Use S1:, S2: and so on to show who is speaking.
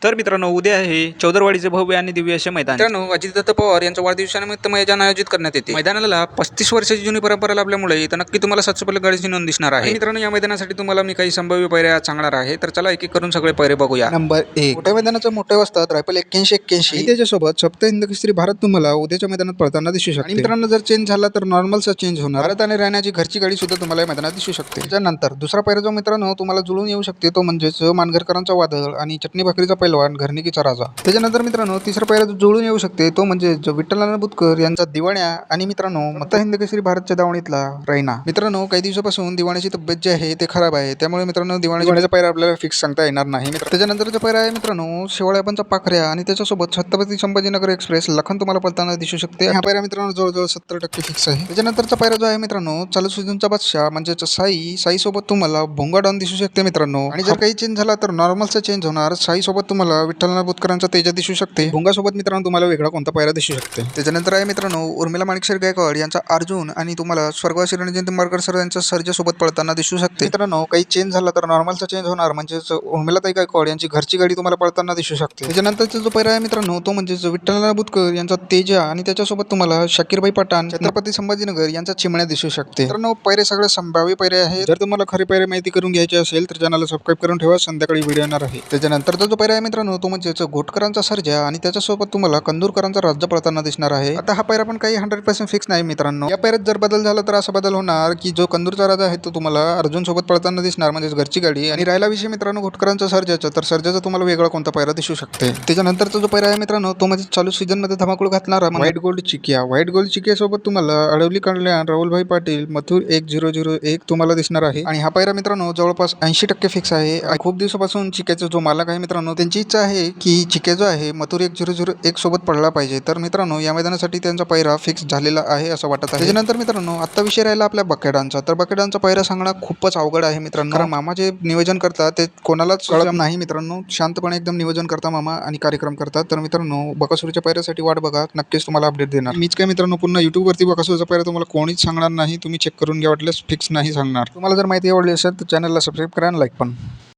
S1: तर मित्रांनो, उद्या आहे चौदरवाडीचे भव्य आणि दिव्य असे मैदान. मित्रांनो, अजितदत्त पवार यांच्या वाढदिवसानिमित्त मैदान आयोजित करण्यात येते. मैदानाला 35 वर्षाची जुनी परंपरा लाभल्यामुळे इथं नक्की तुम्हाला 700 गाडीची नोंद दिसणार आहे. मित्रांनो, या मैदानासाठी तुम्हाला मी काही संभाव्य पायऱ्या सांगणार आहे. तर चला एक एक करून सगळे पायरे बघूया.
S2: नंबर 1 मोठ्या मैदानाचं मोठ्या वाजतात रायफल 81 आणि त्याच्यासोबत सप्त हिंद केसरी भारत तुम्हाला उद्याच्या मैदानात पळताना दिसू शकते. आणि मित्रांनो, जर चेंज झाला तर नॉर्मलचा चेंज होणार. भारत आणि राहण्याची घरची गाडी सुद्धा तुम्हाला या मैदानात दिसू शकते. त्यानंतर दुसरा पायरा जो मित्रांनो तुम्हाला जुळून येऊ शकते तो म्हणजेच मानघरकरांचा वादळ आणि चटणी भाकरीचा पैलवान घरणिकीचा राजा. त्याच्यानंतर मित्रांनो तिसरा पायरा जो जुळून येऊ शकते तो म्हणजे विठ्ठल बुतकर यांचा दिवाण्या आणि मित्रांनो मत्ता हिंद केसरी भारतच्या दावणीतला रैना. मित्रांनो, काही दिवसापासून दिवाण्याची तब्येत जी आहे ते खराब आहे, त्यामुळे मित्रांनो दिवाण्याचा पायरा आपल्याला फिक्स सांगता येणार नाही. त्याच्यानंतरचा पायरा आहे मित्रांनो शेवळ्यापनचा पाखऱ्या आणि त्याच्यासोबत छत्रपती संभाजीनगर एक्सप्रेस लखन तुम्हाला पळताना दिसू शकते. हा पायरा मित्रांनो जवळजवळ 70% फिक्स आहे. त्याच्यानंतरचा पायरा जो आहे मित्रांनो चालू सीझनचा बादशाह म्हणजे साई सोबत तुम्हाला भोंगा डॉन दिसू शकते मित्रांनो. आणि जर काही चेंज झाला तर नॉर्मलचा चेंज होणार. साई सोबत तुम्हाला विठ्ठल बुतकरांचा तेजा दिसू शकते. भोंगा सोबत मित्रांनो तुम्हाला वेगळा कोणता पायरा दिसू शकते. त्याच्यानंतर आहे मित्रांनो उर्मिला माणिकशेर गायकवाड यांचा अर्जुन आणि तुम्हाला स्वर्गवासी रणजित निंबाळकर सर यांच्या सर्जा सोबत पळताना दिसू शकते. मित्रांनो, काही चेंज झाला तर नॉर्मलचा चेंज होणार म्हणजेच उर्मिलाताई गायकवाड यांची घरची गाडी तुम्हाला पळताना दिसू शकते. त्याच्यानंतरचा जो पायरा आहे मित्रांनो तो म्हणजे विठ्ठल बुतकर यांचा तेजा आणि त्याच्यासोबत तुम्हाला शाकीरबाई पठाण छत्रपती संभाजीनगर यांचा चिमण्या दिसू शकते. मित्रांनो, पायरे सगळे संभाव्य पायरे आहेत. जर तुम्हाला खरे पायरे माहिती करून घ्यायचे असेल तर चॅनलला सबस्क्राईब करून ठेवा. संध्याकाळी व्हिडिओ येणार आहे. त्याच्यानंतरचा जो पायरा आहे मित्रांनो तो म्हणजे घोटकरांचा सर्जा आणि त्याच्यासोबत तुम्हाला कंदूरकरांचा राज्य पळताना दिसणार आहे. आता हा पायरा पण काही 100% फिक्स नाही मित्रांनो. या पायऱ्यात जर बदल झाला तर असा बदल होणार की जो कंदूरचा राजा आहे तो तुम्हाला अर्जुन सोबत पळताना दिसणार म्हणजे घरची गाडी. आणि राहिला विषय मित्रांनो घोटकरांचा सर्जाचा, तर सर्जाचा तुम्हाला वेगळा कोणता पायरा दिसू शकते. त्याच्यानंतरचा जो पायरा आहे मित्रांनो तो म्हणजे चालू सीझन मध्ये धमाकूळ घातणारा व्हाईट गोल्ड चिकिया. व्हाईट गोल्ड चिकिया सोबत तुम्हाला अडवली कल्याण राहुलभाई पाटील मथुर 1001 तुम्हाला दिसणार आहे. आणि हा पायरा मित्रांनो जवळपास 80% फिक्स आहे. खूप दिवसापासून चिक्याचा जो मालक आहे मित्रांनो त्यांची इच्छा आहे की चिक्या जो आहे मथुर 1001 सोबत पडला पाहिजे. तर मित्रांनो या मैदानासाठी त्यांचा पायरा फिक्स झालेला आहे असं वाटत आहे. त्याच्यानंतर मित्रांनो आता विषय राहिला आपल्या बकेडांचा. तर बकेडांचा पायरा सांगणं खूपच अवघड आहे मित्रांनो, कारण मामा जे नियोजन करतात ते कोणालाच कळत नाही मित्रांनो. शांतपणे एकदम नियोजन करता मामा आणि कार्यक्रम करतात. तर मित्रांनो बकासूरच्या पायऱ्यासाठी वाट बघा, नक्कीच तुम्हाला अपडेट देणार. मीच काय मित्रांनो पुन्हा युट्यूबवरती बकासूरचा पायरा तुम्हाला कोणीच सांगणार नाही. तुम्ही चेक करून घ्या, वाटल्यास फिक्स नाही सांगणार. तुम्हाला जर माहिती आवडली असेल तर चॅनलला सबस्क्राईब करा आणि लाईक पण.